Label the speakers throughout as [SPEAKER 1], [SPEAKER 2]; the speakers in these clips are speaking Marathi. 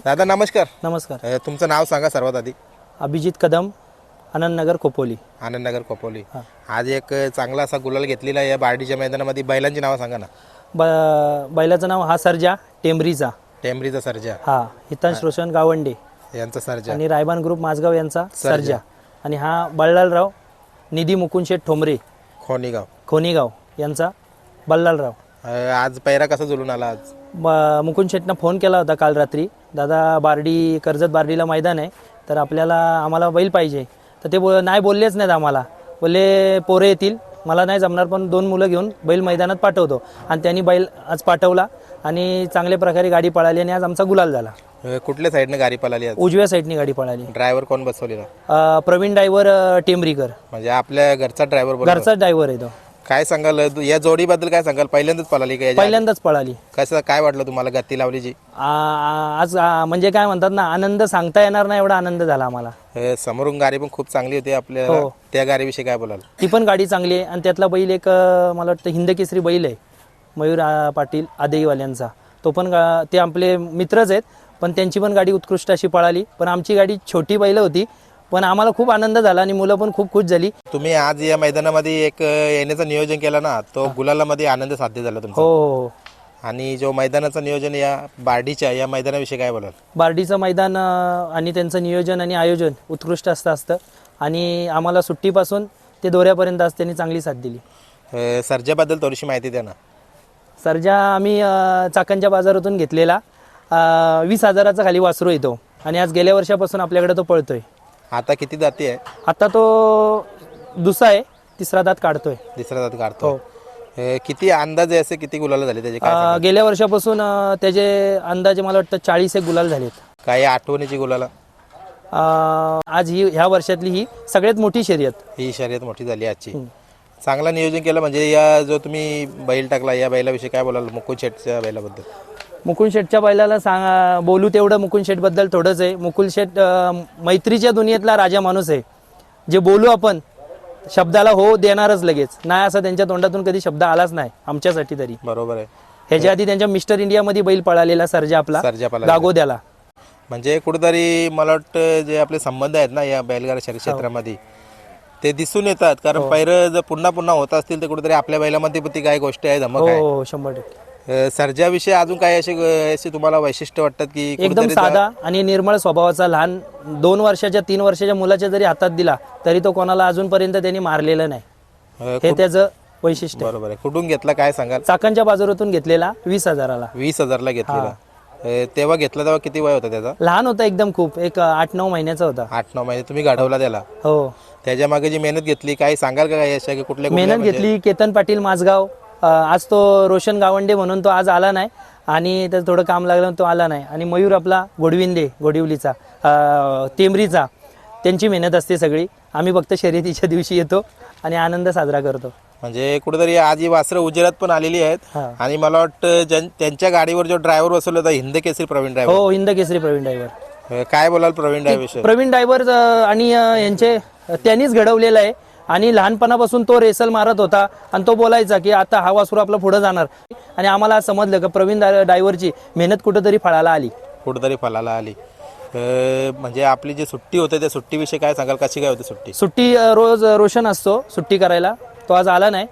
[SPEAKER 1] दादा नमस्कार.
[SPEAKER 2] नमस्कार.
[SPEAKER 1] तुमचं नाव सांगा सर्वात आधी.
[SPEAKER 2] अभिजित कदम, आनंदनगर खोपोली.
[SPEAKER 1] आनंदनगर खोपोली. आज एक चांगला असा गुलाल घेतलेला आहे या बार्डीच्या मैदानामध्ये. बैलांची नावं सांगा ना.
[SPEAKER 2] बैलाचं नाव हा सर्जा टेंबरीचा.
[SPEAKER 1] टेंबरीचा सर्जा.
[SPEAKER 2] हा हितांश रोशन गावंडे
[SPEAKER 1] यांचा सर्जा
[SPEAKER 2] आणि रायबान ग्रुप माझगाव यांचा सर्जा. आणि हा बल्लालराव निधी मुकुंदशेठ ठोंबरे खोनीगाव यांचा बल्लालराव.
[SPEAKER 1] आज पैरा कसा जुळून आला? आज
[SPEAKER 2] मुकुंदशेठनं फोन केला होता काल रात्री, दादा बार्डी कर्जत बार्डीला मैदान आहे तर आम्हाला बैल पाहिजे. तर ते नाही बोललेच नाहीत आम्हाला. बोलले पोरे येतील, मला नाही जमणार पण 2 मुलं घेऊन बैल मैदानात पाठवतो. आणि त्यांनी बैल आज पाठवला आणि चांगल्या प्रकारे गाडी पळाली आणि आज आमचा गुलाल झाला.
[SPEAKER 1] कुठल्या साईडने गाडी पळाली?
[SPEAKER 2] उजव्या साईडने गाडी पळाली.
[SPEAKER 1] ड्रायव्हर कोण बसवलेला?
[SPEAKER 2] प्रवीण ड्रायव्हर टेंबरीकर.
[SPEAKER 1] म्हणजे आपल्या घरचा ड्रायव्हर?
[SPEAKER 2] घरचाच ड्रायव्हर आहे तो.
[SPEAKER 1] काय सांगाल या जोडीबद्दल? काय सांगाल? पहिल्यांदाच पळाली का?
[SPEAKER 2] पहिल्यांदाच पळाली.
[SPEAKER 1] कसं काय वाटलं तुम्हाला गती लावलीची?
[SPEAKER 2] आज म्हणजे काय म्हणतात ना, आनंद सांगता येणार नाही एवढा आनंद झाला आम्हाला.
[SPEAKER 1] समोरून गाडी पण खूप चांगली होती आपल्याला. त्या गाडीविषयी काय बोलाल?
[SPEAKER 2] ती पण गाडी चांगली आहे आणि त्यातला बैल एक मला वाटतं हिंदकेसरी बैल आहे मयूर पाटील आदेईवाल्यांचा. तो पण ते आपले मित्रच आहेत पण त्यांची पण गाडी उत्कृष्ट अशी पळाली. पण आमची गाडी छोटी बैल होती पण आम्हाला खूप आनंद झाला आणि मुलं पण खूप खुश झाली.
[SPEAKER 1] तुम्ही आज या मैदानामध्ये एक येण्याचं नियोजन केलं ना, तो गुलालामध्ये आनंद साध्य झाला तुमचा.
[SPEAKER 2] हो.
[SPEAKER 1] आणि जो मैदानाचं नियोजन या बार्डीच्या या मैदानाविषयी काय बोलाल?
[SPEAKER 2] बार्डीचं मैदान आणि त्यांचं नियोजन आणि आयोजन उत्कृष्ट असतं आणि आम्हाला सुट्टीपासून ते दौऱ्यापर्यंत आज त्यांनी चांगली साथ दिली.
[SPEAKER 1] सर्जाबद्दल थोडीशी माहिती द्या ना.
[SPEAKER 2] सर्जा आम्ही चाकणच्या बाजारातून घेतलेला 20,000चा खाली वासरू येतो आणि आज गेल्या वर्षापासून आपल्याकडे तो पळतोय.
[SPEAKER 1] आता किती दाती आहे?
[SPEAKER 2] आता तो दुसरा आहे, तिसरा दात काढतोय.
[SPEAKER 1] तिसरा दात काढतो. किती अंदाजे असे किती गुलाल झाले त्याचे?
[SPEAKER 2] गेल्या वर्षापासून त्याचे अंदाजे मला वाटतं 40 गुलाल झालेत.
[SPEAKER 1] काय आठवणीची गुलाला?
[SPEAKER 2] आज ह्या वर्षातली ही सगळ्यात मोठी शर्यत.
[SPEAKER 1] ही शर्यत मोठी झाली आजची. चांगला नियोजन केलं. म्हणजे या जो तुम्ही बैल टाकला या बैलाविषयी काय बोलाल? मुकुंद शेठच्या बैलाबद्दल.
[SPEAKER 2] मुकुंद शेठच्या बैलाला बोलू तेवढं मुकुंद शेठबद्दल थोडंच आहे. मुकुंद शेठ मैत्रीच्या दुनियेतला राजा माणूस आहे. जे बोलू आपण शब्दाला हो देणारच लगेच. नाही असं त्यांच्या तोंडातून कधी शब्द आलाच नाही आमच्यासाठी तरी.
[SPEAKER 1] बरोबर आहे.
[SPEAKER 2] ह्याच्या आधी त्यांच्या मिस्टर इंडियामध्ये बैल पळालेला सर्जा आपला गागोद्याला.
[SPEAKER 1] म्हणजे कुठेतरी मला वाटतं जे आपले संबंध आहेत ना या बैलगाडा क्षेत्रामध्ये ते दिसून येतात. कारण पैर जर पुन्हा पुन्हा होत असतील तर कुठेतरी आपल्या बैलामध्ये ती काय गोष्ट आहे धमक आहे.
[SPEAKER 2] हो 100%.
[SPEAKER 1] सर्जाविषयी अजून काय असे तुम्हाला वैशिष्ट्य वाटतात की?
[SPEAKER 2] एकदम साधा आणि निर्मळ स्वभावाचा. लहान 2 वर्षाच्या 3 वर्षाच्या मुलाच्या जरी हातात दिला तरी तो कोणाला अजूनपर्यंत त्यांनी मारलेलं नाही. हे त्याचं वैशिष्ट्य.
[SPEAKER 1] बरोबर आहे. कुठून घेतला काय सांगाल?
[SPEAKER 2] चाकणच्या बाजारातून घेतलेला 20,000ला.
[SPEAKER 1] 20,000ला घेतलेला. तेव्हा घेतला तेव्हा किती वय होता त्याचा?
[SPEAKER 2] लहान होता एकदम, खूप एक 8-9 महिन्याचा होता.
[SPEAKER 1] 8-9 महिने तुम्ही घडवला त्याला.
[SPEAKER 2] हो.
[SPEAKER 1] त्याच्या मागे जी मेहनत घेतली काय सांगाल का? काय अशा कुठल्या
[SPEAKER 2] मेहनत घेतली? केतन पाटील माझगाव. आज तो रोशन गावंडे म्हणून तो आज आला नाही आणि त्याचं थोडं काम लागलं तो आला नाही. आणि मयूर आपला गोडविंदे टेंबरीचा, त्यांची मेहनत असते सगळी. आम्ही फक्त शर्यतीच्या दिवशी येतो आणि आनंद साजरा करतो.
[SPEAKER 1] म्हणजे कुठेतरी आज ही वासरं उजेरात पण आलेली आहेत. आणि मला वाटतं त्यांच्या गाडीवर जो ड्रायव्हर बसवला होता हिंदकेसरी प्रवीण ड्रायव्हर.
[SPEAKER 2] हो हिंदकेसरी प्रवीण ड्रायव्हर.
[SPEAKER 1] काय बोलाल प्रवीण ड्रायव्हर?
[SPEAKER 2] प्रवीण ड्रायव्हर आणि यांचे त्यांनीच घडवलेलं आहे आणि लहानपणापासून तो रेसल मारत होता आणि तो बोलायचा की आता हा वासरू आपला पुढे जाणार. आणि आम्हाला समजलं की प्रवीण ड्रायव्हरची मेहनत कुठेतरी फळाला आली. म्हणजे आपली जी सुट्टी होते त्या सुट्टीविषयी काय सांगाल? कशी काय होती सुट्टी? रोज रोशन असतो सुट्टी करायला, तो आज आला नाही.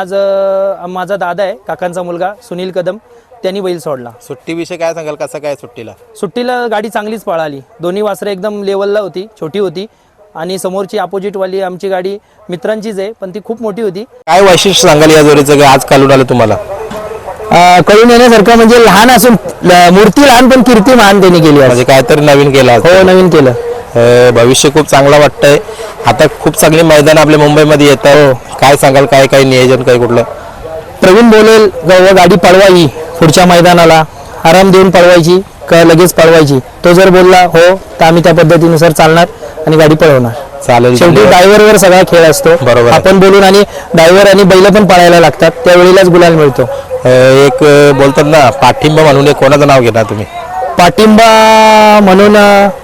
[SPEAKER 2] माझा दादा आहे, काकांचा मुलगा सुनील कदम, त्यांनी बैल सोडला.
[SPEAKER 1] सुट्टीविषयी काय सांगाल? कसं काय सुट्टीला
[SPEAKER 2] गाडी चांगलीच पळाली. दोन्ही वासरं एकदम लेवलला होती, छोटी होती. आणि समोरची अपोजिटवाली आमची गाडी मित्रांचीच आहे पण ती खूप मोठी होती.
[SPEAKER 1] काय वैशिष्ट्य सांगाल या जोडीचं आज काढून आलं तुम्हाला?
[SPEAKER 2] कळून येण्यासारखं म्हणजे लहान असून मूर्ती लहान पण कीर्ती महान त्यांनी केली.
[SPEAKER 1] म्हणजे काहीतरी नवीन केलं?
[SPEAKER 2] हो नवीन केलं.
[SPEAKER 1] भविष्य खूप चांगलं वाटतंय. आता खूप चांगली मैदान आपल्या मुंबईमध्ये येत आहे. काय सांगाल? काय नियोजन काय कुठलं?
[SPEAKER 2] प्रवीण बोलेल गाडी पळवायची पुढच्या मैदानाला, आराम देऊन पळवायची का लगेच पळवायची. तो जर बोलला हो तर आम्ही त्या पद्धतीनुसार चालणार आणि गाडी पळवणार.
[SPEAKER 1] चालेल.
[SPEAKER 2] शेवटी ड्रायव्हरवर सगळा खेळ असतो.
[SPEAKER 1] बरोबर.
[SPEAKER 2] आपण बोलून आणि ड्रायव्हर आणि बैल पण पळायला लागतात त्यावेळेलाच गुलाल मिळतो.
[SPEAKER 1] एक बोलतात ना पाठिंबा म्हणून एक कोणाचं नाव घेणार तुम्ही?
[SPEAKER 2] पाठिंबा म्हणून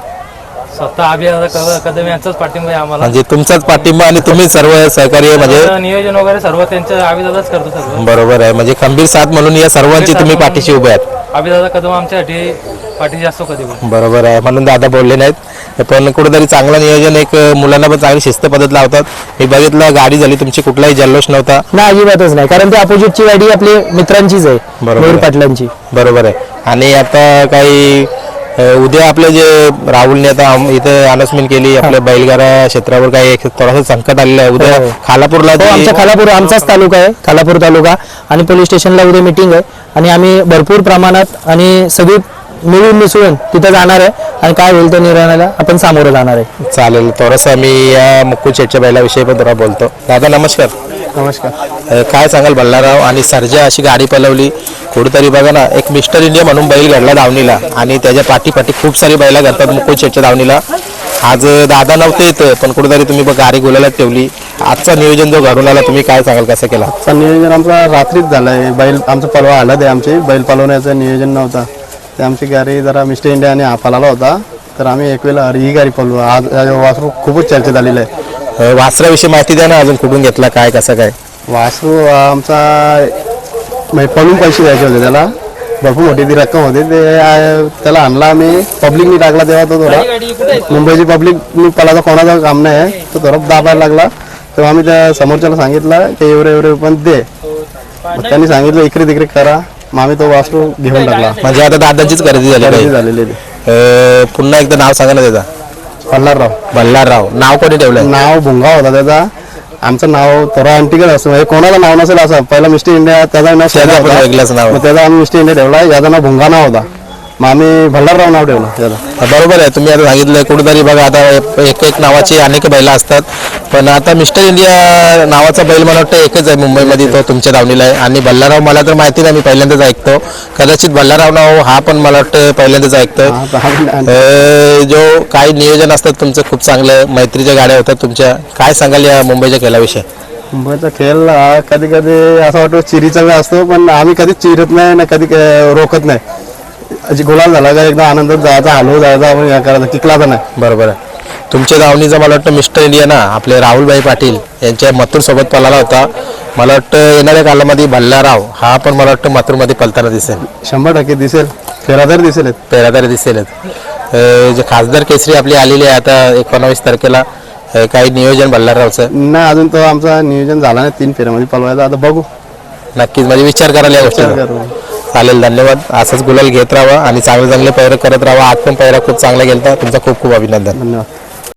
[SPEAKER 3] स्वतः अभिदादा कदम यांचाच पाठिंबा आहे आम्हाला.
[SPEAKER 1] म्हणजे तुमचाच पाठिंबा आणि तुम्ही सर्व सहकार्य म्हणजे
[SPEAKER 3] नियोजन वगैरे सर्व त्यांचं अभिदादाच करतो सर्व.
[SPEAKER 1] बरोबर आहे. म्हणजे खंबीर साथ म्हणून या सर्वांची तुम्ही पाठीशी उभे आहात.
[SPEAKER 3] अभिदादा कदम आमच्यासाठी पाठी जास्त कधी पण.
[SPEAKER 1] बरोबर आहे, म्हणून दादा बोलले नाहीत. पण कुठेतरी चांगलं नियोजन, एक मुलांना पण चांगली शिस्त पद्धत लावतात. मी बघितलं गाडी झाली तुमची, कुठलाही जल्लोष नव्हता.
[SPEAKER 2] नाही, अजिबातच नाही, कारण ती अपोजिटची गाडी आपली मित्रांचीच आहे,
[SPEAKER 1] बरोबर
[SPEAKER 2] मयूर
[SPEAKER 1] आहे.
[SPEAKER 2] पाटलांची.
[SPEAKER 1] बरोबर आहे. आणि आता काही उद्या आपले जे राहुलने आता इथं अनाउन्समेंट केली, आपल्या बैलगाडा क्षेत्रावर काही एक थोडासा संकट आलेलं आहे. उद्या
[SPEAKER 2] हो.
[SPEAKER 1] खालापूरला
[SPEAKER 2] हो, आमच्या खालापूर आमचाच तालुका आहे, खालापूर तालुका, आणि पोलीस स्टेशनला उद्या मीटिंग आहे आणि आम्ही भरपूर प्रमाणात आणि सगळी मिळून मिसळून तिथं जाणार आहे आणि काय होईल त्या निर्णयाला आपण सामोरं जाणार आहे.
[SPEAKER 1] चालेल. थोडंसं मी या मुक्कू शेटच्या बैलाविषयी पण थोडा बोलतो. दादा नमस्कार.
[SPEAKER 2] नमस्कार.
[SPEAKER 1] काय सांगाल, बल्लाराव आणि सर्जा अशी गाडी पलवली कुठेतरी, बघा ना, एक मिस्टर इंडिया म्हणून बैल घडला धावणीला आणि त्याच्या पाठी खूप सारी बैला घडतात मुक्कू शेटच्या धावणीला. आज दादा नव्हते इथं, पण कुठेतरी तुम्ही गाडी गुलाला ठेवली. आजचा नियोजन जो घडून आला, तुम्ही काय सांगाल, कसं केला?
[SPEAKER 4] आजचा नियोजन आमचा रात्रीच झाला आहे. बैल आमचा पलवा आला, ते आमची बैल पलवण्याचं नियोजन नव्हता. ते आमची गाडी जरा मिस्टर इंडिया आणि पलाला होता, तर आम्ही एक वेळेला ही गाडी पलवू. आज वासरू खूपच चर्चेत आलेलं आहे.
[SPEAKER 1] वासराविषयी माहिती द्या ना, अजून कुठून घेतला, काय कसं काय?
[SPEAKER 4] वासरू आमचा म्हणजे पळून पैसे द्यायचे होते त्याला, भरपूर मोठी ती रक्कम होती. ते त्याला आणला आम्ही, पब्लिकनी टाकला तेव्हा तो थोडा, मुंबईची पब्लिकनी पलाचा कोणाचा काम नाही आहे, तो थोडा दाबायला लागला. तेव्हा आम्ही त्या समोरच्याला सांगितलं की एवढे पण दे. मग त्यांनी सांगितलं इकडे तिकडे करा, मग आम्ही तो वासरू घेऊन टाकला.
[SPEAKER 1] म्हणजे आता दादांचीच खरेदी झाली
[SPEAKER 4] खरेदी
[SPEAKER 1] पाहिजे.
[SPEAKER 4] झालेली
[SPEAKER 1] पुन्हा एकदा नाव सांगा ना त्याचा.
[SPEAKER 4] पल्हारराव.
[SPEAKER 1] बल्लारराव नाव कोणी ठेवलं?
[SPEAKER 4] नाव भुंगा होता त्याचा. आमचं नाव थोडं अँटिकल असतं, म्हणजे कोणाला नाव नसेल असं. पहिला मिस्टर इंडिया त्याचा नाव
[SPEAKER 1] त्याचा
[SPEAKER 4] शेजा
[SPEAKER 1] पण
[SPEAKER 4] होता,
[SPEAKER 1] वेगळंच नाव.
[SPEAKER 4] मग त्याचा आम्ही मिस्टर इंडिया ठेवला. याचं नाव भुंगा नाव होता, मग आम्ही भल्लारराव नाव ठेवलं त्याला.
[SPEAKER 1] बरोबर आहे, तुम्ही आता सांगितलं कुठेतरी, बघा आता एक नावाची अनेक बैला असतात, पण आता मिस्टर इंडिया नावाचा बैल मला वाटतं एकच आहे मुंबईमध्ये, तो तुमच्या धावणीला आहे. आणि बल्लाराव मला तर माहिती नाही, मी पहिल्यांदाच ऐकतो. कदाचित बल्लाराव नाव हा पण मला वाटतं पहिल्यांदाच ऐकतो. जो काही नियोजन असतात तुमचं खूप चांगलं, मैत्रीच्या गाड्या होतात तुमच्या. काय सांगाल या मुंबईच्या खेळाविषयी?
[SPEAKER 4] मुंबईचा खेळ हा कधी कधी असं वाटतं चिरीचा वेळ असतो, पण आम्ही कधीच चिरत नाही ना, कधी रोखत नाही. अशी गुलाल झाला का एकदम आनंदात जायचा, हलवू जायचा, आपण हे करायचं, किकलाचा नाही.
[SPEAKER 1] बरोबर आहे. तुमच्या धावणीचा मला वाटतं मिस्टर इंडिया ना, आपले राहुलभाई पाटील यांच्या मथुर सोबत पळाला होता. मला वाटतं येणाऱ्या कालामध्ये बल्लाराव हा पण मला वाटतं मथुरमध्ये पळताना दिसेल.
[SPEAKER 4] 100% दिसेल, फेरादार दिसेल,
[SPEAKER 1] पेरादारी दिसेलच. जे खासदार केसरी आपली आलेली आहे आता 19 तारखेला, काही नियोजन बल्लाररावचं?
[SPEAKER 4] नाही, अजून तो आमचा नियोजन झाला नाही 3 फेऱ्यामध्ये पळवायचा. आता बघू,
[SPEAKER 1] नक्कीच, म्हणजे विचार करायला या गोष्टीचा.
[SPEAKER 4] करू.
[SPEAKER 1] चालेल, धन्यवाद. असंच गुलाल घेत राहा आणि चांगले चांगले पैर करत राहा. आज पण पैरा खूप चांगला गेलता. तुमचा खूप खूप अभिनंदन.
[SPEAKER 4] धन्यवाद.